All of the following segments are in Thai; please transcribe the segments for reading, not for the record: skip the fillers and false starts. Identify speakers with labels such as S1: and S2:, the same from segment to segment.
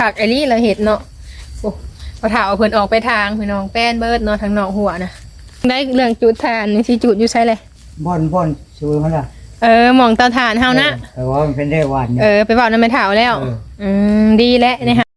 S1: คักไอ้ลี่เราเห็ดเนาะโอ้พอถาเอาเพิ่นออกไปทางพี่น้องแป้นเบิดเนาะทางนอกหัวนะได้เรื่องจุดทานนี่สิจุดอยู่ใช่เลย
S2: บ่อนชูมันล่ะ
S1: หมองเตาถ่านเฮานะ
S2: แต่ว่ามันเป็นได้หวาน
S1: ไปบอกนำแม่เฒ่าแล้วดีแล้วนี่ค่ะ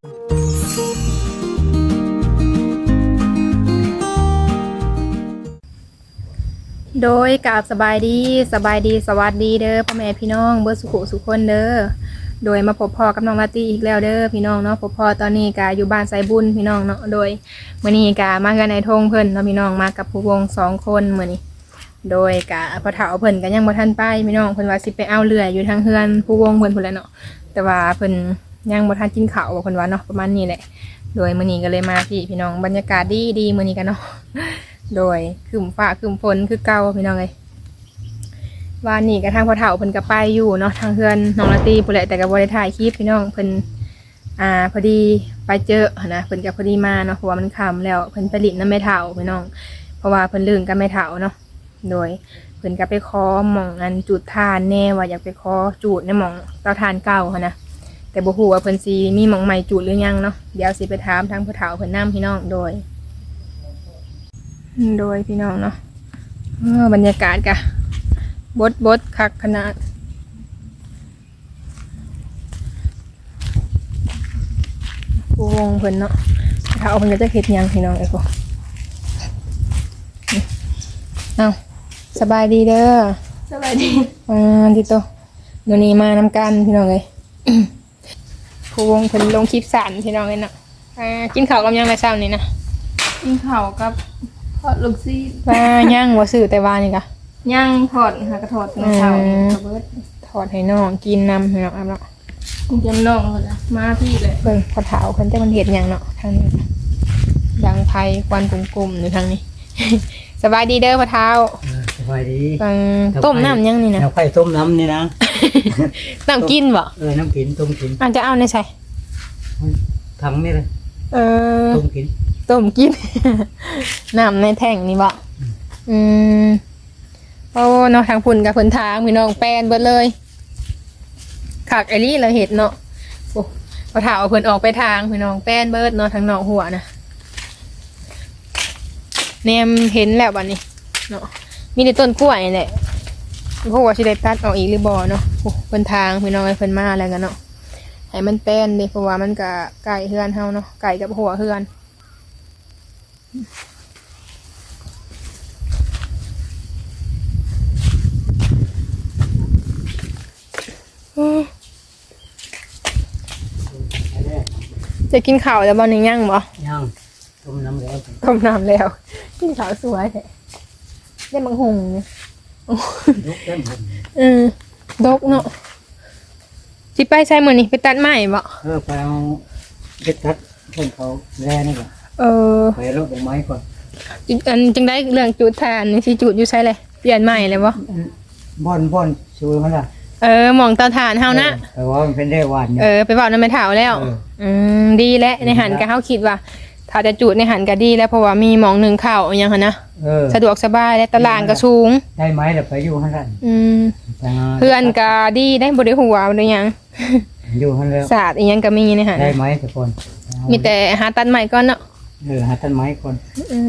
S1: โดยกราบสบายดีสวัสดีเด้อพ่อแม่พี่น้องเบิร์สุขุสุขคนเด้อโดยมาพบพ่อกับน้องลาตี้อีกแล้วเด้อพี่น้องเนาะพบพ่อตอนนี้กาอยู่บ้านไซบุญพี่น้องเนาะโดยมื้อนี้กามากันในทงเพิ่นเนาะพี่น้องมากับผู้วง2 คนมื้อนี้โดยกาพอเฒ่าเพิ่นก็ยังบ่ทันไปพี่น้องเพิ่นว่าสิไปเอาเรืออยู่ทางเฮือนผู้วงเพิ่นพุ่นแหละเนาะแต่ว่าเพิ่นยังบ่ทันกินข้าวเพิ่นว่าเนาะประมาณนี้แหละโดยมื้อนี้ก็เลยมาพี่น้องบรรยากาศดีมื้อนี้กันเนาะโดยคืมฟ้าคืมฝนคือเก่าพี่น้องเลยวันนี้กระทั่งพอเฒ่าเพิ่นก็ไปอยู่เนาะทางเฮือนน้องละตีพุ่นแหละแต่ก็บ่ได้ถ่ายคลิปพี่น้องเพิ่นพอดีไปเจอนะเพิ่นก็พอดีมาเนาะเพราะว่ามันค่ำแล้วเพิ่นไปลิ้นน้ำแม่เฒ่าพี่น้องเพราะว่าเพิ่นลืมกับแม่เฒ่าเนาะโดยเพิ่นก็ไปขอหม่องอันจุดทานแน่ว่าอยากไปขอจุดในหม่องเตาถ่านเก่าหั่นนะแต่บ่ฮู้ว่าเพิ่นสิมีหม่องใหม่จุดหรือยังเนาะเดี๋ยวสิไปถามทางพอเฒ่าเพิ่นนำพี่น้องโดยพี่น้องเนาะบรรยากาศกะบดคักขนาดผู้วงเพิ่นเนาะถ้าเอาเพิ่นก็จะเฮ็ดยังพี่น้องไอ้พวกเอาสบายดีเด้อ
S3: สบายดี
S1: ดิโตเดี๋ยวนี้มานำกันพี่น้องเลย ผู้วงเพิ่นลงคลิปสั่นพี่น้องเลยเนาะกินข้าวกับยังในเช้านี้นะ
S3: กินข้าวกับทอดลูกซี
S1: ย่างว่าซื้อแต่ว่านี่กะ
S3: ย่างทอดหากระทอดในเช้ากับเบิร์ด
S1: ทอดให้น้องกินนำให้น้องเนาะ
S3: กินจำน้องเลยนะมาพี่เลย
S1: เพิ่นพอเฒ่าเพิ่นจะมันเห็ดหยังเนาะทางนี้ดังไผ่ควันกลุ่มๆอยู่ทางนี้ สบายดีเด้อพอเฒ่า
S2: สบายดี
S1: ต้มน้ำยังนี่นะ
S2: ไผ่ต้มน้ำนี่นะ
S1: น้ำกินบ่
S2: น้ำกินต้มกิน
S1: จะเอาในใส่
S2: ถังนี่เลยต้มกิน
S1: น้ำในแท่งนี่บ่โอ้เนาะทางพุ่นกับเพิ่นทางพี่น้องแป้นเบิดเลยคักไอ้ลี่เราเห็ดเนาะโอ้พอเฒ่าเอาเพิ่นออกไปทางพี่น้องแป้นเบิดเนาะทางนอกหัวนะแนมเห็นแล้วบัดนี้เนาะมีแต่ต้นกล้วยนี่แหละพวกว่าสิได้ตัดออกอีกหรือบ่เนาะโอ้เพิ่นทางพี่น้องให้เพิ่นมาแล้วกันเนาะให้มันแป้นเด้เพราะว่ามันก็ไก่เฮือนเฮาเนาะไก่กับหัวเฮือนจะกินข้าวแล้วบ่นี่ยังบ่
S2: ยังต้มน้ำแล้ว
S1: กินข้าวสวยแท้ได้มังหุงดกเนาะสิไปใช้มื้อนี้ไปตัดไม้บ่
S2: ไปเอาไปตัดเพิ่นเขาแร่นี่แหละไปรดดอกไม้ก่อน
S1: จังได้เรื่องจุดทานนี่สิจุดอยู่ใช้เลยเปลี่ยนใหม่เลยบ่
S2: บ่อนชูมันล่ะ
S1: หม่องเตาถ่านเฮานะ
S2: แต่ว่ามันเป็นได้หวาน
S1: ไปบอกนำแม่เฒ่าแล้วดีแล้วในหันก็เฮาคิดว่าถ้าจะจุดในหันก็ดีแล้วเพราะว่ามีหม่องนึงข้าวอีหยังหั่นนะสะดวกสบายและตารางก็สูง
S2: ได้ไม้แล้วไปอยู่หั่นล่ะ
S1: เพื่อนก็ดีได้บ่ได้หัวบ่ได้หยัง
S2: อยู่หั่นแล้ว
S1: ศาสตร์อีหยังก็มีในหัน
S2: ได้ไม้ทุกคน
S1: มีแต่หาตัดไม้ก่อนเนาะ
S2: หาต้นไม้ก่อน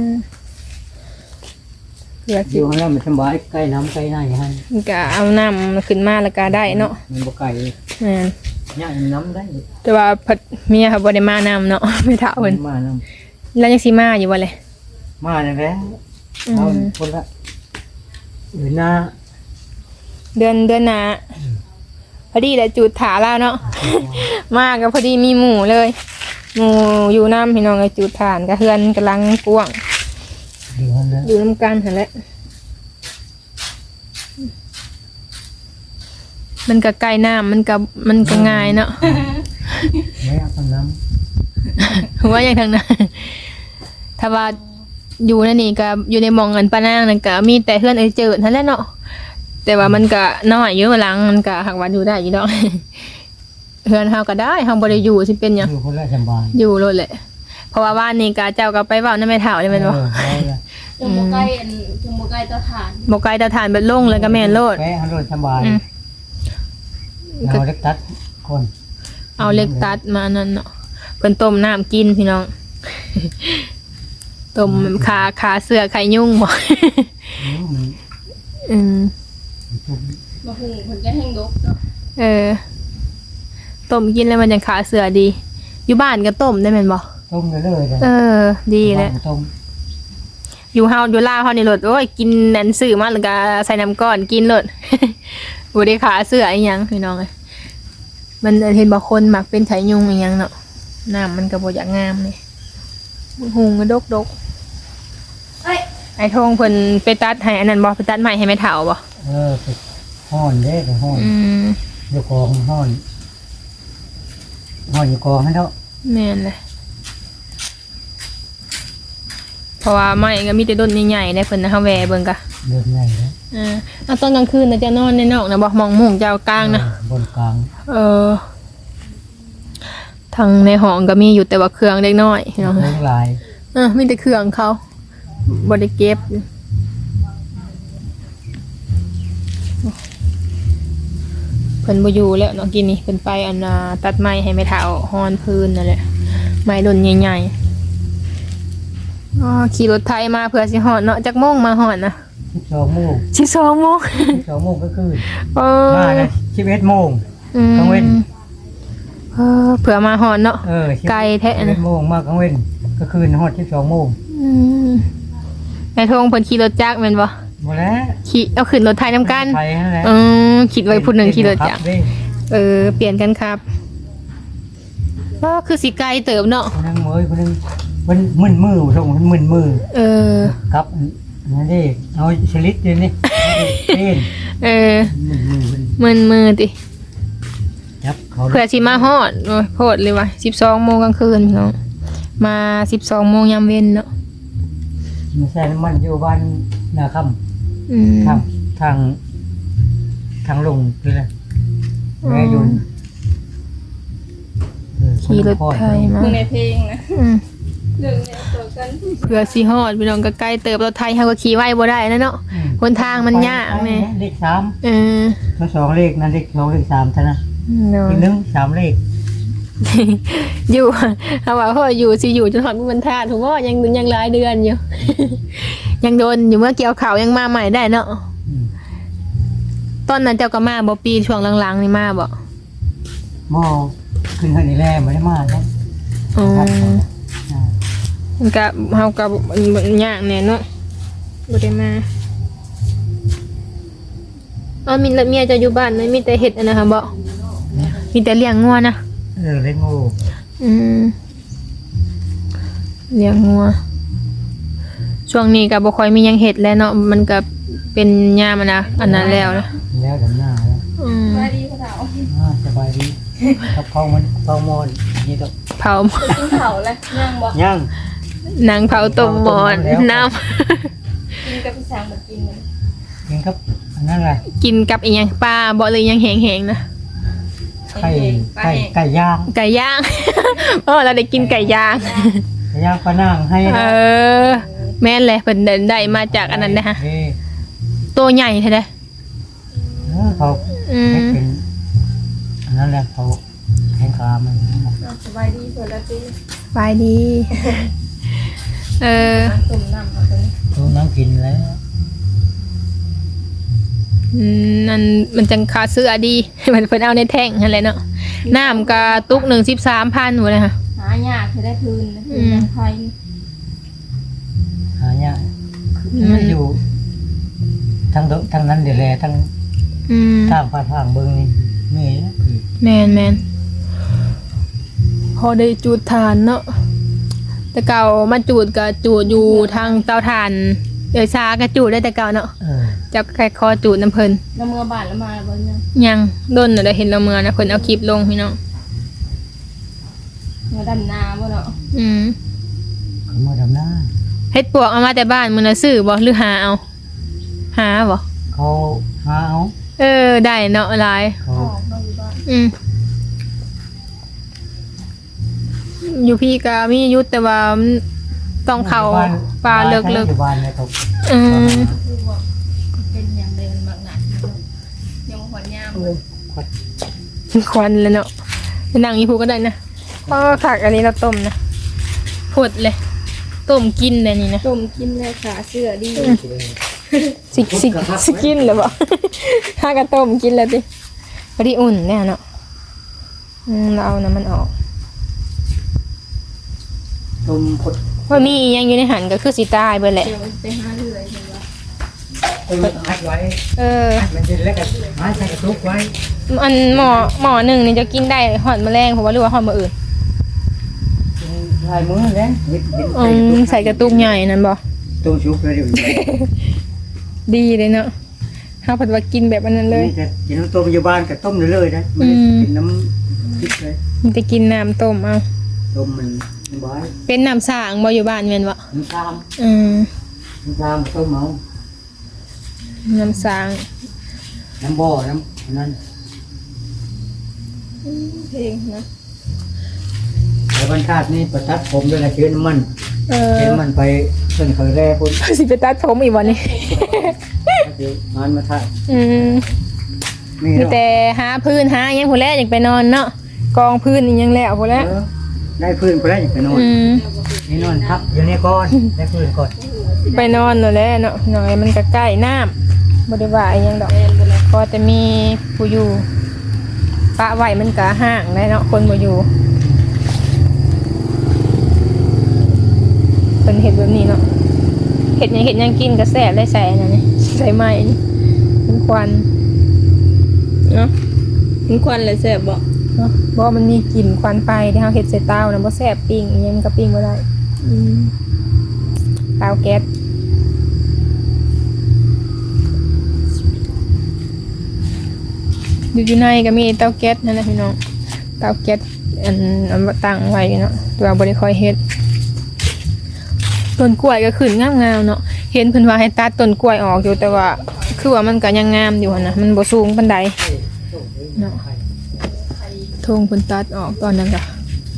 S2: อยู่หั่นแล้วมันสบายใกล้น้ำใกล้หน้าอย่างนั้น
S1: ก็เอาน้ำขึ้นมาแล้วก็ได้เนาะ
S2: มันบ่ไกลย่างน้ำได้
S1: แต่ว่าเมียเขาบ่ได้มาน้ำเนาะไม่เฒ่าเพิ่น
S2: มาน้
S1: ำแล้วยังสิมาอยู่บ่เลย
S2: มาแล้วเอาคนละเดือนหน้า
S1: พอดีแหละจุดถาแล้วเนาะมาก็พอดีมีหมู่เลยหมู่อยู่น้ำพี่น้องก็จุดฐานก็เฮือนกำลังกว้างอยู่น้ำกันหั่นแหละมันก็ใกล้น้ำมันก็ง่ายเนาะ
S2: ไม่เอาทางน้
S1: ำว่าอย่างทางนั้นถ้าว่าอยู่นั่นนี่ก็อยู่ในหม่องเงินปานางนั่นก็มีแต่เฮือนเจิดนั่นแหละเนาะแต่ว่ามันก็น้อยอยู่หลังมันก็หักวันอยู่ได้อยู่ดอกเฮือนเฮาก็ได้เฮาบ่ได้อยู่สิเป็นหยัง
S2: อยู่คนละสบาย
S1: อยู่โลดแหละเพราะว่าบ้านนี้ก็เจ้าก็ไปเว้านำแม่เฒ่าได้แม่นบ่
S3: จงบ่ใกล้เตาถ่าน
S1: บ่ใกล้เตาถ่านเบิดลงเลยก็แม่นโลด
S2: ไปโลดสบายเอาเล็กตัดคน
S1: เอาเล็กตัดมานั่นเนาะเพิ่นต้มน้ำกินพี่น้อง ต้มขาเสือไข่ยุ่งบ่
S2: มัน
S1: อืม
S3: มาหุงเพิ่นก็แห้งดกเนาะ
S1: เออต้มกินแล้วมันยังขาเสือดี อยู่บ้านก็ต้มได้แม่นบ่
S2: ต้มเลยๆ
S1: เออ ดีแหละ
S2: ต้ม
S1: อยู่เฮาอยู่ลาวเฮานี่รถโอ้ยกินนั่นซื้อมาแล้วก็ใส่น้ำก้อนกินรถ บ่ได้ขาเสืออีหยังพี่น้องเอ้ยมันเห็นบ่คนมักเป็นไถยุงอีหยังเนาะน้ำมันก็บ่อยากงามนี่หุงก็ดก
S3: เอ้ย
S1: ไอ้ทงเพิ่นไปตัดให้อันนั้นบ่ไปตัดไม้ให้แม่เฒ่าบ่
S2: ไปห้อนเด้ไปห้อน
S1: อืม
S2: อยู่กองห้อนอยู่กองให้เนาะ
S1: แม่นเลยเพราะว่าไม้ก็มีแต่ต้นใหญ่ๆได้เพิ่นนะเฮาแวเบิ่งกะ
S2: เดินไงนะ
S1: ตอนกลางคืนน่ะจะนอนในนอกนะบ่มองมุ้งเจ้ากลางนะ
S2: บนกลาง
S1: ทางในห้องก็มีอยู่แต่ว่าเครื่องเล็กน้อยพี่น้อง
S2: เลี้ยงลาย
S1: มีแต่เครื่องเขาบ่ได้เก็บเพิ่นบ่อยู่แล้วเนาะกินนี่เพิ่นไปอันตัดไม้ให้แม่เฒ่าฮอนพื้นนั่นแหละไม้ดนใหญ่ๆขี่รถไถมาเพื่อสิฮอดเนาะจักโมงมาฮอดนะ
S2: 12 โมง
S1: 12 โมง
S2: 12 โมงก็คือ
S1: เออ
S2: มานะ11 โมง กลางเว้น
S1: เผื่อมาฮอดเนาะ ไกลแท้นะ
S2: 11 โมงมากลางเว้นก็คือฮอด12 โมง
S1: ไอ้ทงเพิ่นขี่รถจักรแม่นบ่
S2: หมดแล้ว
S1: ขี่เอาขึ้นรถไถนํกัน
S2: ไทยนั่นแหละ
S1: คิดไว้ผู้หนึงขี่รถจักร
S2: เด้
S1: เปลี่ยนกันครับก็คือสิไกลเติบเนาะ
S2: คนนึงเมยคนนึงมันมึนมือส่งมันมึนมือ กับนั่นดิเอาชลิดเดี๋ยวนี้เต้นมึนมือ
S1: มือติ
S2: จับเขา
S1: เผื่อสิมาฮอดโอ้ยโพดเลยว่ะ12 โมงกลางคืนพี่น้องมา12 โมงยามเว้นเนาะ
S2: ไม่ใช่มันอยู่บ้านนาคำทางลงคืออะไรแม่ยุน
S1: ขี่รถไถมา
S3: คือในเพลงนะ
S1: อืม
S3: เรื่องเนี้ยตัวกัน
S1: เผื่อสิฮอดพี่น้องก็ไกลเติบรถไถเฮาก็ขี่ไว้บ่ได้นะเนาะหนทางมันยากแน่
S2: เลข3ทั้ง2เลขนั่นเลข2เลข3ท่านะอีก3เลข
S1: อยู่เอาว่าพ่ออยู่สิอยู่จนฮอดมื้อวันธาตุผมว่ายังหลายเดือนอยู่ ยังโดนอยู่เมื่อเกี่ยวข้าวยังมาใหม่ได้เนาะตอนนั้นเจ้าก็มาบ่ปีช่วงหลังๆนี่มาบ่
S2: หม้อขึ้นให้นี่แลไม่ได้มาครับ
S1: มันก็เฮาก็ยากแน่เนาะบ่ได้มามีเมียจะอยู่บ้านมั้ยมีแต่เฮ็ดอันนะคะบ่มีแต่เลี้ยงงัวนะ
S2: เล่นงู
S1: เลี้ยงงัวช่วงนี้ก็บ่ค่อยมีหยังเฮ็ดแล้วเนาะมันก็เป็นยามอะนะอันนั้นแล้วนะ
S2: แล้วดำหน้าแล้ว
S3: สบายดีพ่อเฒ่า
S2: สบายดีกับข้าวมันข้าวมอนนี่ก็
S1: เผา
S3: กินเผาเลยย่างบ่
S2: ย่าง
S1: นางเผาต้มหมอนน้ำ
S3: กินกับพี่สางบ่กินเลย
S2: กินครับอันนั้นอะไร
S1: กินกับอีหยังปลาบ่เลยยังแห้งๆนะ
S2: ไก่ย่าง
S1: ไก่ย่าง เราได้กินไก่ย่าง
S2: ไก่ย่างปลานั่งให้
S1: แม่นเลยเพิ่นได้มาจากอันนั้นนะฮะตัวใหญ่แท้เด้
S2: เขาเป็นอันนั้นแหละเขาแข่งขามัน
S3: สบายดีเพิ่นละติ
S1: ไปดี
S3: ต้มน้ำเอาตัวนี้
S2: ตัวน้ำกินแล้ว
S1: นั่นมันจังคาเสื้อดี มันเพิ่นเอาในแท่งนั่นแหละเนาะน้ำก็ตุกหนึ่ง 13,000หมดเลยค่ะ
S3: หายากสิได้คืนนะคืนยังไทย
S2: หายากไม่อยู่ทางนั้นเดี๋ยวแลทางฟ้าทางเบิ้งนี่นี่นะ
S1: แมนพอได้จูดทานเนาะแต่เก่ามาจูดก็จูดอยู่ทางเตาถ่านชาก็จูดได้แต่เก่าเนาะจับแค่คอจูดน้ำเพิ่น
S3: แล้วเมื่อบ้านแล้วมาบ่เนี่ย
S1: ยังโดนน่ะได้เห็นเราเมื่อนะเพิ่นเอาคลิปลงพี่น้อง
S3: เมื่อดำนาบ่เนาะ
S2: เขามาดำหน้า
S1: เฮ็ดปวกเอามาแต่บ้านมื้อน่ะซื้อบ่หรือหาเอาหาบ่
S2: เขาหาเอา
S1: ได้เนาะหลาย
S2: เขา
S3: ออกมาอยู่บ้าน
S1: อยู่พี่ก็มียุทธแต่ว่าต้องเข้าป่าเลิก
S2: อยู่บ้านเลยเขา
S3: คือว่าเป็นอย่างเดินมากหนักยังหอนยาม
S1: ควันเลยเนาะไปนั่งอีพูก็ได้นะก็ผักอันนี้เราต้มนะผดเลยต้มกินเลยนี่นะ
S3: ต้มกินเลยขาเสื้อดี
S1: สิกินเลยบ่ ถ้ากระต้มกินแล้วดิพอดีอุ่นเนี่ยเนาะเราเอาน้ำมันออก
S2: ต้มพด
S1: ว่ามีอีหยังอยู่ในหันก็คือสิตายเบิดแหละ
S3: เดี๋ยวไปหาเรื่อยเห็นว่า
S2: ต้มอัดไว้ มันจะแล้วก็มาใส่กระตุกไว้
S1: อันหมอหนึ่งนี่จะกินได้หอดแมลงเพราะว่าหรือว่าหอดมาอื่น
S2: ลายมือแล้ว
S1: ใส่กระตุกใหญ่นั่นบ่
S2: ต้มชุบเลยเดี๋ยว
S1: ดีเลยเนาะข้าวผัดว่ากินแบบอันนั้นเลย
S2: กินน้ำต้มอยู่บ้านกับต้มเลยนะมันกินน้ำพริกเลย
S1: มันจะกินน้ำต้มเอา
S2: ต้มมันบ่อย
S1: เป็นน้ำสางบ่อยู่บ้านแม่นบ่
S2: น้ำตาล
S1: อืม
S2: น้ำตาลต้มเอา
S1: น้ำสาง
S2: น้ำบ่อน้ำนั่น
S3: เพลงนะ
S2: แล้ววันชาตินี่ประทัดผมด้วยนะเชื้อน้ำมันเชื้อน้ำมันไปเพิ่นเคยแร่พุ่น
S1: สิไปตัดผมอีกวันนี้
S2: เดี๋ยวงานมาถ่าย มี
S1: มีแต่หาพื้นหาอิหยังผู้แรกอยากไปนอนเนาะกองพื้นอิหยังแล้วผู้แรก
S2: ได้พื้นไปแล้วอย่างไปนอนนี่นอนทับอยู่นี่ก่อนได้พื้นก่อน
S1: ไปนอนนั่นแหละเนาะหน่อยมันก็ใกล้น้ำบ่ได้ว่าอิหยังดอกพอจะมีผู้อยู่ปะไว้มันก็ห่างได้เนาะคนบ่อยู่เพิ่นเฮ็ดแบบนี้เนาะเฮ็ดหยังกินก็แซ่บได้ใส่อันนั้นนี่ใส่ไม้นี่เป็นควันเนาะ
S3: มันควันเลยแซ่บบ่
S1: เนาะบ่มันมีกลิ่นควันไฟที่เฮาเฮ็ดใส่เตาน่ะบ่แซ่บปิ้งอิหยังมันก็ปิ้งบ่ได้เตาแก๊สอยู่ในก็มีเตาแก๊สนั่นแหละพี่น้องเตาแก๊สอันตั้งไว้เนาะแต่ว่าบ่ได้ค่อยเฮ็ดต้นกล้วยก็ขึ้นงามๆเนาะเห็นเพิ่นว่าให้ตัดต้นกล้วยออกอยู่แต่ว่าคือว่ามันก็ยังงามอยู่หั่นน่ะมันบ่สูงปานใดเนาะทงเพิ่นตัดออกตอนนั้นก็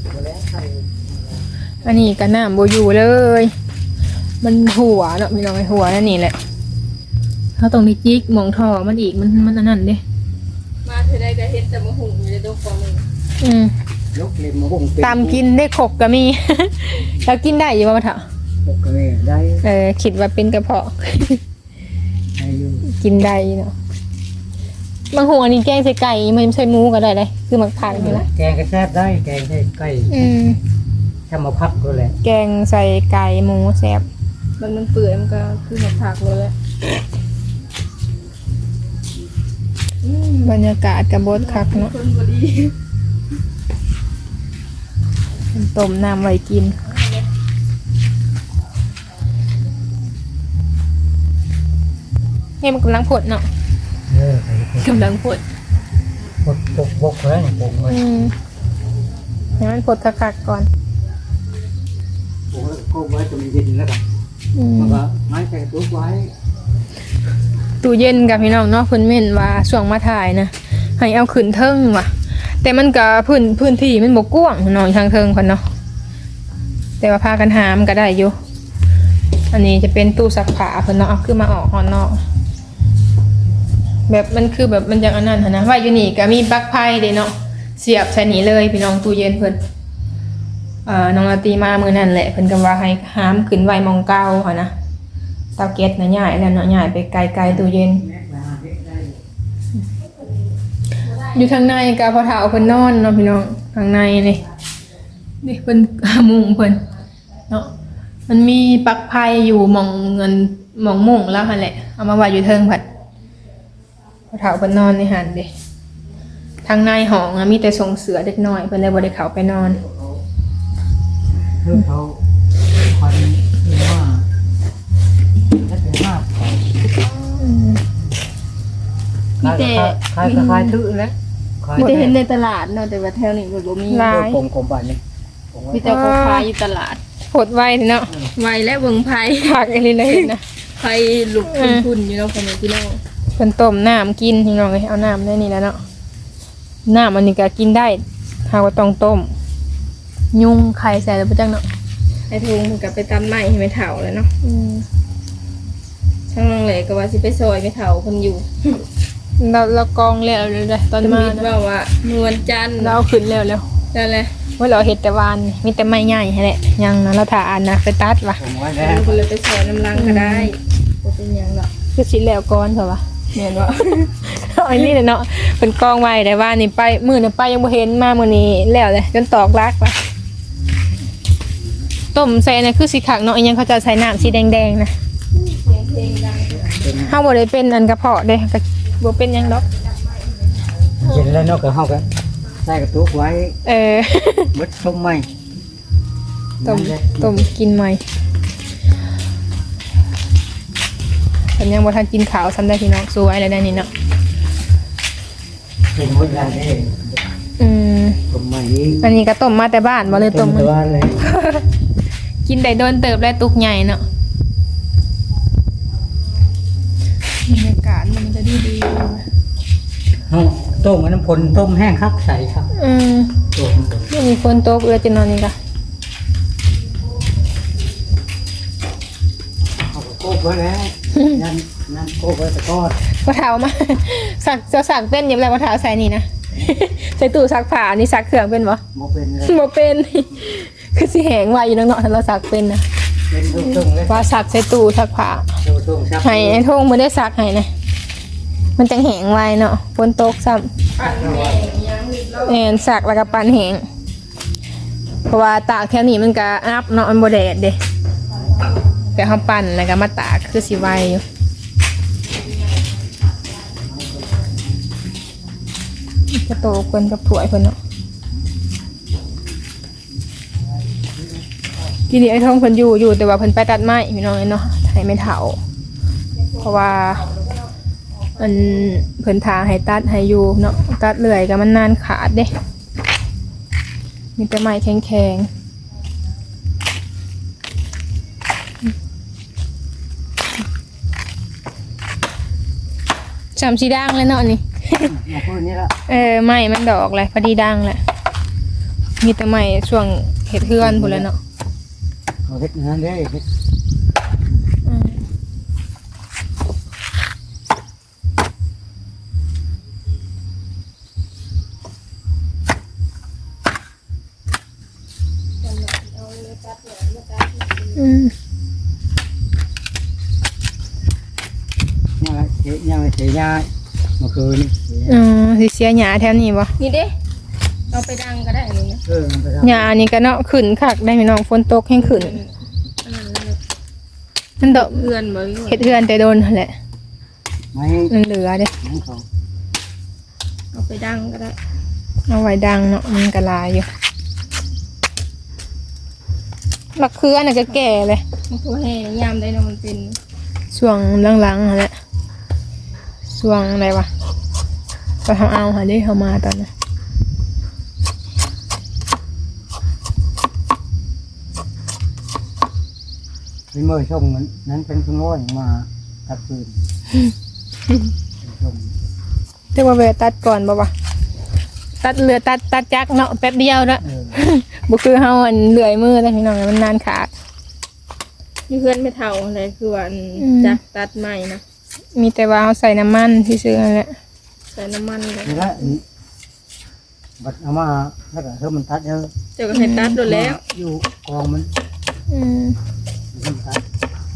S1: อันนี้ก็น้ำบ่อยู่เลย มันหัวเนาะพี่น้องไอ้หัวนั่นนี่แหละเฮาต้องได้จิกหม่องท่อมันอีกมันอันนั้นเด้
S3: มาเธอได้ก็เฮ็ดแต่มะหุงอยู่ในตัวฟองนึง
S2: ยกเล็มมาบุ้ง
S1: ตามกินได้ขกก็มี แล้วกินได้อยู่บ่มะเถาะ
S2: ปกเลยได้
S1: คิดว่าเป็นกระเพาะ
S2: ได้อยู่
S1: กินได้เนาะบางหัวนี่แกงใส่ไก่มันใส่หมูก็ได้เลยคือหมักผักนี่แหละ
S2: แกงก็แซ่บได้แกงใส่ไก่ถ้ามาพับก็แหละ
S1: แกงใส่ไก่หมูแซ่บ
S3: มันเปื่อยมันก็คือหมดผักเลยแหละ
S1: บรรยากาศกับบดคักเนาะ
S3: คนบ่ดี
S1: ต้มน้ำไว้กินนี่มันกำลังผดเนาะ
S2: ไป
S1: กำลังผด
S2: ปกแล้วนี่ปกเลย
S1: ให้มันผดคักๆก่อน
S2: ปกแล้วก็ไว้จนมันเย็นแล้วกันมันก็ไม้ใส่ตู้ไว้
S1: ตู้เย็นกับพี่น้องเนาะเพิ่นเม่นว่าช่วงมาถ่ายนะให้เอาขึ้นเทิงว่ะ แต่มันก็พื้นที่มันบ่กว้างเนาะทางเทิงเพิ่นเนาะแต่ว่าพากันหามก็ได้อยู่อันนี้จะเป็นตู้ซักผ้าเพิ่นเนาะเอาขึ้นมาออกห้องนอกแบบมันคือแบบมันจังอันนั้นหั่นนะว่าอยู่นี่ก็มีปลั๊กไฟเด้เนาะเสียบใส่นี่เลยพี่น้องตู้เย็นเพิ่นน้องลาตีมามื้อนั้นแหละเพิ่นก็ว่าให้หามขึ้นไว้หมองเก่าหั่นนะเตาแก๊สน่ะย้ายแล้วเนาะย้ายไปไกลๆตู้เย็น อยู่ทางในกะพอเฒ่าเพิ่นนอนเนาะพี่น้องทางในนี่เพิ่น มุงเพิ่นเนาะมันมีปลั๊กไฟอยู่หม่องเงินหม่องมุงแล้วหั่นแหละเอามาไว้อยู่เทิงผัดพอเฒ่าเพิ่นนอนในหันเด้ทางในห้องมีแต่ส่งเสือเด็กน้อยเพิ่นเลยบ่ได้เข้าไปนอน
S2: เรื่องเขาควันว่าถ้าถึงมาก
S3: มีแต่
S2: คลายตื้อแล้ว
S3: มีแต่เห็นในตลาดเนาะแต่ว่าแถวนี้มันบ่มี
S1: ลาย
S2: กลมๆบ้านนี่
S3: มีแต่เขาขายอยู่ตลาด
S1: ผดไว้เนาะ
S3: ไวและเบิ่งไผ
S1: ผักอันนี้เลยนะ
S3: ไผลุกพุ่นๆอยู่เนาะคนนี้พี่น้อง
S1: เพิ่นต้มน้ำกินพี่น้องเอ้ยเอาน้ำได้นี่แล้วเนาะน้ำอันนี้ก็กินได้หากว่าต้องต้มยุงไข่ใส่แล้วบ่จังเนาะ
S3: ไอ้ทุงมันก็ไปตำไม้ให้แม่เฒ่าแล้วเนาะช่างน้องแหละก็ว่าสิไปซอยแม่เฒ่าเพิ่นอยู่
S1: เรากองแล้วเลยตอนมา
S3: ตำมิดว่าว่านวลจันทร์
S1: เราเอาขึ้นแล้ว
S3: นั่นแหละ
S1: ว่าเราเฮ็ดแต่วานมีแต่ไม้ใหญ่ให้แหละยังนะเราถ่าอันนะไปตัดว่ะ
S2: ผมไว้แล้ว
S3: คนเลยไปแช่น้ำลังก็ได้บ่เป็นหยังหรอก
S1: คือสิแล้วก่อนเถอะวะแม่นบ่ เอาอันนี้แหละเนาะเพิ่นกองไว้แต่ว่านี่ไปมื้อนี้ไปยังบ่เห็นมามื้อนี้แล้วเลยจนตอกลักว่ะต้มใส่น่ะคือสิคักเนาะอีหยังเขาจะใส่น้ำสีแดงๆนะ
S3: เพลงดัง
S1: เฮาบ่ได้เป็นอันกระเพาะเด้ก็บ่เป็นหยังดอก
S2: เย็นแล้วเนาะก็เฮาก็ใส่กระตุกไว้
S1: เออ
S2: เบิดต้มใหม่
S1: ต้มกินใหม่ฉันยังบ่ทันกินข้าวซ้ำได้พี่น้องสวยเลยได้นี่เนาะ
S2: เป็นหมดแล้วเด้
S1: อืม
S2: ต้มใหม่อีก
S1: อันนี้ก็ต้มมาแต่บ้านบ่เลยต้ม
S2: แต่ว่าเลย
S1: กินได้โดนเติบได้ตุกใหญ่เนาะบรรยากาศมันจะดี
S2: เฮาต้มกับน้ำพลต้มแห้งครับใส่ครับ ต้ม
S1: ไม่มีฝนตกเลยจะนอนนี่ก็
S2: เอาก็โกบไว้แล้วนั่นโกบไว้ตะกอด
S1: กระเท้ามา สักจะสักเป็นอยังไงกระเท้าใส่นี่นะ ใส่ตู้ซักผ้านี่ซักเครื่องเป็นบ่
S2: บ่เป็นเลย
S1: บ่เป็น คือสิแหงไว้อยู่เนาะถ้าเราซักเป็นนะ
S2: เป็นทุ่งๆเลย
S1: ว่าซักใส่ตู้ซักผ้า
S2: ทุ่งๆครับ
S1: ให้ไอ้ทงบ่ได้ซักให้นะมันจังแหงไว้เนาะฝนตกซ้ำแอนซักแล้วก็ปั่นแหงเพราะว่าตากแถวนี้มันก็อัพเนาะมันบ่แดดเด้แต่เฮาปั่นแล้วก็มาตากคือสิไวอยู่กระโตกเพิ่นกับถ้วยเพิ่นเนาะทีนี้ไอ้ทงเพิ่นอยู่แต่ว่าเพิ่นไปตัดไม้พี่น้องเนาะให้ไม่เฒ่า เพราะว่ามันเพิ่นทางให้ตัดให้อยู่เนาะตัดเลื่อยก็มันนานขาดเด้มีแต่ไม้แข็งๆจำสีด่างเลยเนาะนี่
S2: มาพูดนี่ละ
S1: ไม้มันดอกเลยพอดีด่างแหละมีแต่ไม้ช่วงเห็ดเฮือนพุ่นแหล้วเนาะ
S2: เอาเฮ็ดงานได้เฮ็ด
S1: อืมอืม
S2: ยังเสียยาเมื่อคืนนี่
S1: สิเสียหญ้าแถวนี้บ่
S3: นี่เด้เอาไปดังก็ได้นี่นะ
S2: มันไปท
S1: หญ้านี่ก็เนาะขึ้นคักได้พี่น้องฝนตกแห้งขึ้นมันดอก
S3: เพื่อนบ่
S1: เฮ็ดเฮือนแต่โดนนั่นแหละ
S2: ำไม่
S1: มันเหลือเด้
S2: ไม่ของ
S3: เอาไปดังก็ได้
S1: เอาไว้ดังเนาะมันก็หลายอยู่มะเขือน่ะก็แก่เลย
S3: มันก็ให้ยามได้เนาะมันเป็น
S1: ช่วงหลังๆนั่นแหละช่วงอะไรวะก็ทำเอาหาได้เข้ามาตอนนั้น
S2: เป็นมือช่องนั้นเป็นขโมยมาตัดปืนช่อง
S1: เรียกว่าเวลาตัดก่อนบ่วะตัดเรือตัดจักเนาะแป๊บเดียวละ บ่คือเฮาอันเลื่อยมือแล้วพี่น้องมันนานขาด
S3: มีเพื่อนไม่เท่าอะไรคือว่าจักตัดใหม่นะ
S1: มีแต่ว่าเฮาใส่น้ำมันซื่อๆนั่นแหละ
S3: ใส่น้ำมันเลย
S2: นี่ละบัดเอามาแล้วก็เธอมันตัดเยอะ
S3: เจ้าก็ให้ตัดโดนแล้ว
S2: อยู่กองมัน
S1: อืม
S2: มันตัด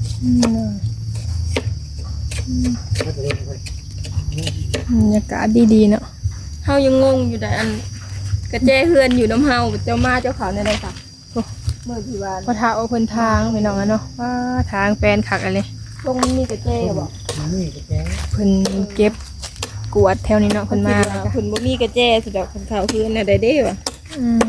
S2: แล้วก็เลย
S1: บรรยากาศดีๆเนาะ
S3: เฮายังงงอยู่ได้อันกระแจเฮือนอยู่น้ำเฮาเจ้ามาเจ้าเขาในใดค่ะเมื่อที่วาน
S1: พอทาเอาเพิ่นทางพี่น้องอะเนาะว่าทางแปลนคักอะไร
S3: ลงมีกระแจบอก
S2: นี่ก็แก
S1: เพิ่นเก็บกวาดแถวนี้เนาะเพิ่นมาแล้วก็
S3: เพิ่นบ่มีกระแจสุดดอกเพิ่นเขาคือน่ะได้เด้ว่ะ
S1: อืม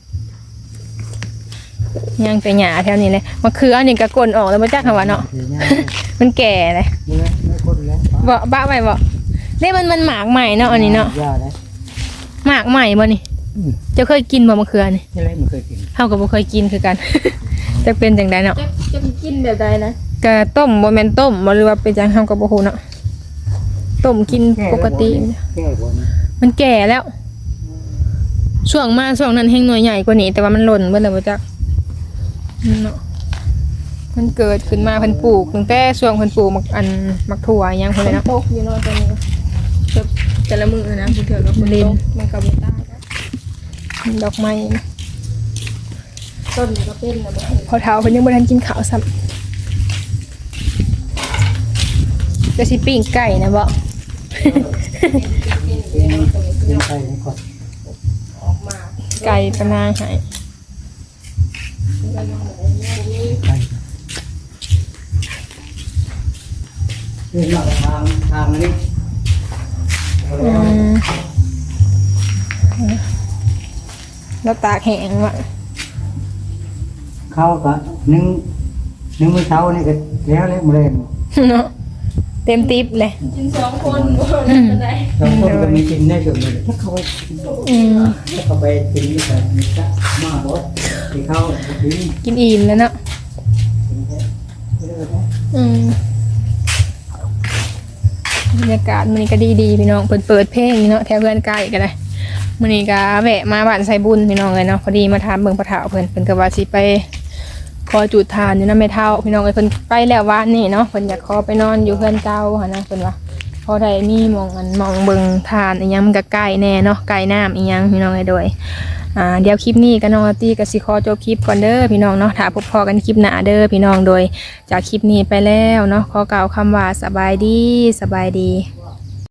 S1: ยังแต่หญ้าแถวนี้เลยมะเขือนี่ก็กลนออกแล้วบ่จักหันว่าเนาะ
S2: เสียยา
S1: มันแก่เลย
S2: ไม่คนแล้ว
S1: บ่บ้าไว้บ่นี่มันหมากใหม่เนาะอันนี้เนาะ
S2: ยาเลย
S1: หมากใหม่บ่นี่เจะเคยกินบ่มะเขือนี่
S2: ที่ไรมันเคยกิน
S1: เฮาก็บ่เคยกินคือกัน จะเป็นจังไดเนาะ
S3: จะกินแบบใดนะ
S1: ก็ต้มบ่แม่นต้มบ่หรือว่าเป็นจังเฮาก็บ่ฮู้เนาะต้มกินปกติ
S2: แก้บน
S1: มันแก่แล้ว ช่วงนั้นแห้งหน่วยใหญ่กว่านี้แต่ว่ามันหล่นเบิดแล้วบ่จักเนาะมันเกิดขึ้นมาเพิ่นปลูกตั้งแต่ช่วงเพิ่นปลูกมักถั่วอิหยังพุ่นเลยเนาะ
S3: ตกอยู่เนาะตอนนี้แต่ละมื้อนะคือเถื่อกับฝนตกมันก็บ่ตายแล้ว
S1: ดอกไม้
S3: ต้นก็เป็นนะบ่
S1: พอเท้าเพิ่นยังบ่ทันกินข้าวซ้ำจะสิปิ้งไก่นะบ่
S2: เป็นไปนี่ก่อน
S3: ออกมา
S1: ไก่ปะนางให้
S2: ไปเดินมาทางนี้
S1: อืมแล้วตากแห้งว่ะ
S2: เข้าก็นึ่งมื้อเช้านี่ก็แล้วมื้อแรง
S1: เนาะเต็มติ๊บเลย
S3: กิน2คนบ่ได้
S2: ตอนต้นก็มีกินได้ส่วนหนึ่งถ้าเขาไป
S1: อืม
S2: ถ้าเขาไปกินนี่ก็มีสักมาบ่ที่เขากิน
S1: กินอิ่มแล้วเนาะอืมบรรยากาศมันนี้ก็ดีๆพี่น้องเปิดเพลงเนาะแถวเพื่อนใกล้กันเลยมันนี้ก็แวะมาบ้านไซบุญพี่น้องเลยเนาะพอดีมาถามเบิ่งพระเถาเพิ่นก็ว่าสิไปขอจุดทานอยู่นำแม่เฒ่าพี่น้องเอ้ยเพิ่นไปแล้ววานนี่เนาะเพิ่นอยากขอไปนอนอยู่เพื่อนเก่าหั่นนะเพิ่นว่าพอได้มีหมองมองเบิ่งทานอีหยังมันก็ใกล้แน่เนาะใกล้น้ำอีหยังพี่น้องเอ้ยโดยเดี๋ยวคลิปนี้ก็น้องอาร์ตี้ก็สิขอจบคลิปก่อนเด้อพี่น้องเนาะถ้าพบพอกันคลิปหน้าเด้อพี่น้องโดยจากคลิปนี้ไปแล้วเนาะขอกล่าวคำว่าสบายดี